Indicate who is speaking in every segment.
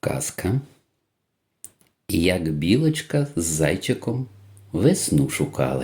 Speaker 1: Казка, як білочка з зайчиком весну шукали.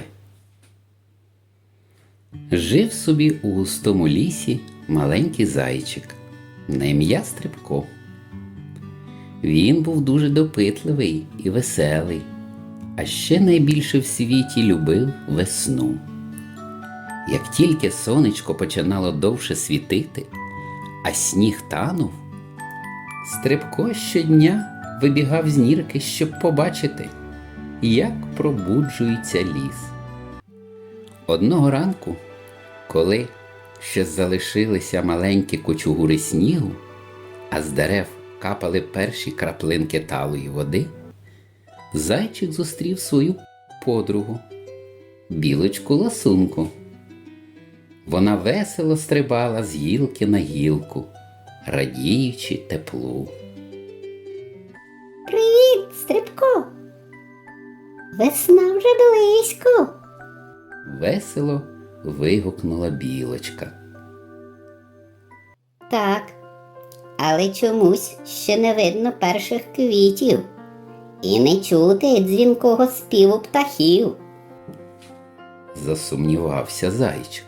Speaker 1: Жив собі у густому лісі маленький зайчик на ім'я Стрибко. Він був дуже допитливий і веселий, а ще найбільше в світі любив весну. Як тільки сонечко починало довше світити, а сніг танув, Стрибко щодня вибігав з нірки, щоб побачити, як пробуджується ліс. Одного ранку, коли ще залишилися маленькі кучугури снігу, а з дерев капали перші краплинки талої води, зайчик зустрів свою подругу, білочку-ласунку. Вона весело стрибала з гілки на гілку, радіючи теплу.
Speaker 2: Привіт, Стрибко! Весна вже близько.
Speaker 1: Весело вигукнула білочка.
Speaker 2: Так, але чомусь ще не видно перших квітів і не чути дзвінкого співу птахів.
Speaker 1: Засумнівався зайчик.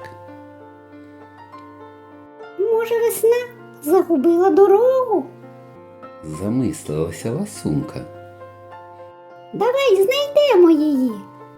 Speaker 2: Може, весна загубила дорогу?
Speaker 1: Замислилася ласунка.
Speaker 2: Давай знайдемо її.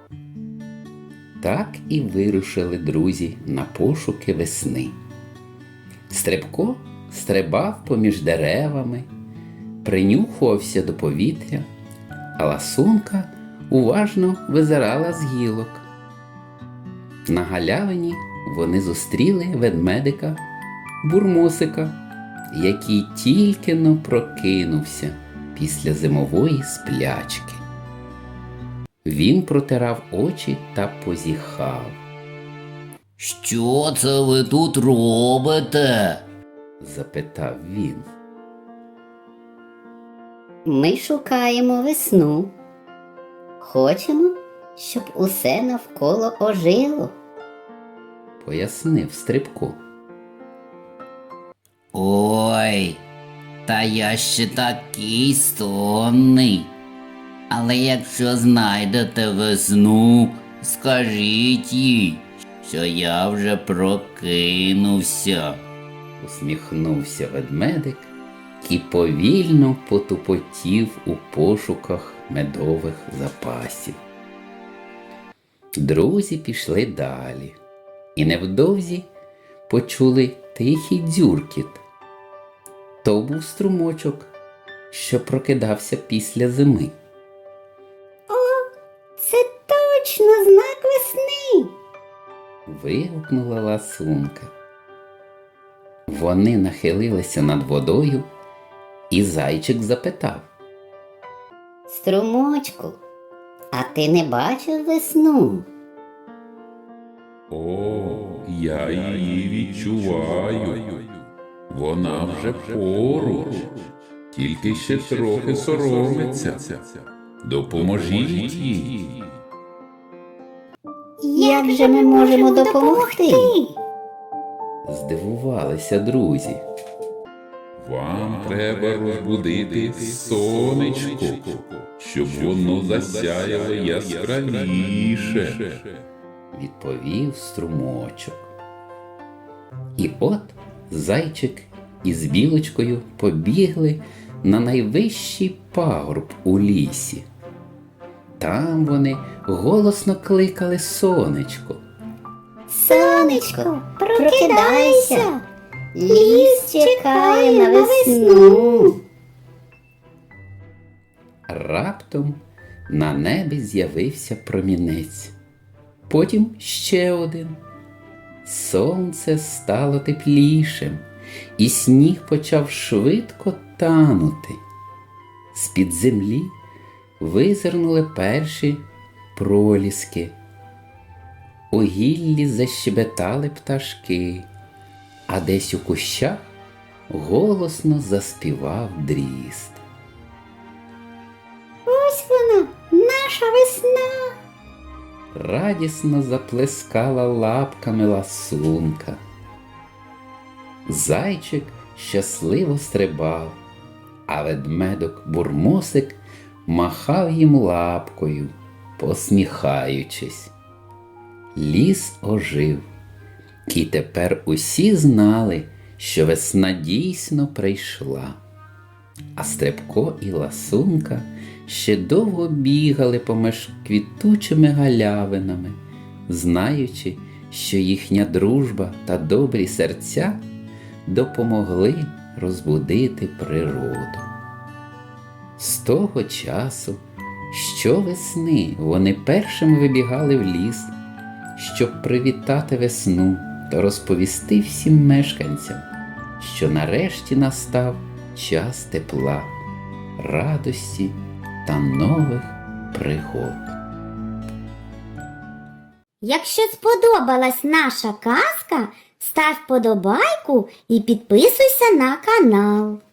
Speaker 1: Так і вирушили друзі на пошуки весни. Стрибко стрибав поміж деревами, принюхувався до повітря, а ласунка уважно визирала з гілок. На галявині вони зустріли ведмедика Бурмосика, який тільки-но прокинувся після зимової сплячки. Він протирав очі та позіхав.
Speaker 3: «Що це ви тут робите?»
Speaker 1: – запитав він.
Speaker 2: Ми шукаємо весну. Хочемо, щоб усе навколо ожило.
Speaker 1: Пояснив Стрибко.
Speaker 3: «Ой, та я ще такий сонний. Але якщо знайдете весну, скажіть їй, що я вже прокинувся».
Speaker 1: Усміхнувся ведмедик і повільно потупотів у пошуках медових запасів. Друзі пішли далі і невдовзі почули тихий дзюркіт. То був струмочок, що прокидався після зими.
Speaker 2: Це точно знак весни.
Speaker 1: Вигукнула ласунка. Вони нахилилися над водою, і зайчик запитав.
Speaker 2: Струмочку, а ти не бачив весну?
Speaker 4: О, я її відчуваю. Вона вже поруч, тільки ще трохи соромиться. Допоможіть їй.
Speaker 2: Як же ми можемо допомогти?
Speaker 1: Здивувалися друзі.
Speaker 4: Вам треба розбудити сонечко, щоб воно засяяло яскравіше.
Speaker 1: Відповів струмочок. І от зайчик із білочкою побігли на найвищий пагорб у лісі. Там вони голосно кликали сонечко.
Speaker 2: Сонечко, прокидайся! Ліс чекає на весну.
Speaker 1: Раптом на небі з'явився промінець. Потім ще один. Сонце стало теплішим, і сніг почав швидко танути. З-під землі визирнули перші проліски. У гіллі защебетали пташки, а десь у кущах голосно заспівав дріст.
Speaker 2: Ось вона, наша весна.
Speaker 1: Радісно заплескала лапками ласунка. Зайчик щасливо стрибав, а ведмедок Бурмосик махав їм лапкою, посміхаючись. Ліс ожив, і тепер усі знали, що весна дійсно прийшла. А Стрибко і Ласунка ще довго бігали поміж квітучими галявинами, знаючи, що їхня дружба та добрі серця допомогли розбудити природу. З того часу щовесни вони першими вибігали в ліс, щоб привітати весну та розповісти всім мешканцям, що нарешті настав час тепла, радості та нових пригод.
Speaker 5: Якщо сподобалась наша казка, став вподобайку і підписуйся на канал.